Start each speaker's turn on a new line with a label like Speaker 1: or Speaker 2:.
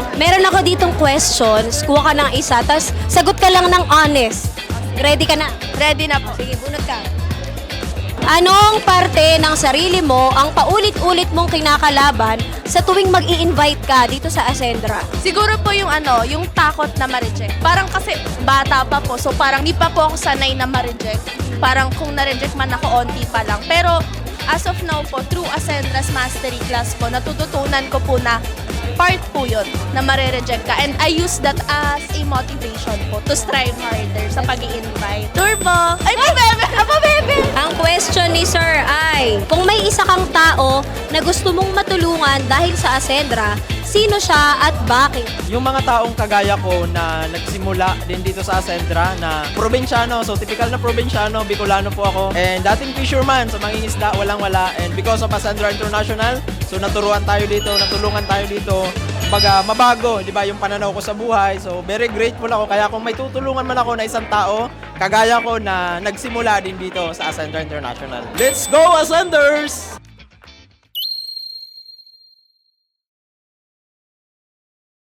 Speaker 1: Meron ako ditong questions. Kuha ka ng isa, tapos sagot ka lang ng honest. Ready ka na?
Speaker 2: Ready na po.
Speaker 1: Sige, bunot ka. Anong parte ng sarili mo ang paulit-ulit mong kinakalaban sa tuwing mag-i-invite ka dito sa Ascendra?
Speaker 2: Siguro po yung yung takot na ma-reject. Parang kasi bata pa po, so parang di pa po ako sanay na ma-reject. Parang kung na-reject man ako, onti pa lang. Pero as of now po, through Ascendra's Mastery Class po, natututunan ko po na part po yun na mare-reject ka. And I use that as a motivation po to strive harder sa pag-i-invite. Turbo! Ay, bebe! Apa, bebe!
Speaker 1: Ang question ni Sir ay, kung may isa kang tao na gusto mong matulungan dahil sa Ascendra, sino siya at bakit?
Speaker 3: Yung mga taong kagaya ko na nagsimula din dito sa Ascendra na probinsyano, so typical na probinsyano, Bicolano po ako. And dating fisherman, sa mangingisda, walang-wala. And because of Ascendra International, so natulungan tayo dito. Kumbaga, mabago, di ba, yung pananaw ko sa buhay. So, very grateful ako. Kaya kung may tutulungan man ako na isang tao, kagaya ko na nagsimula din dito sa Ascendra International. Let's go, Ascenders!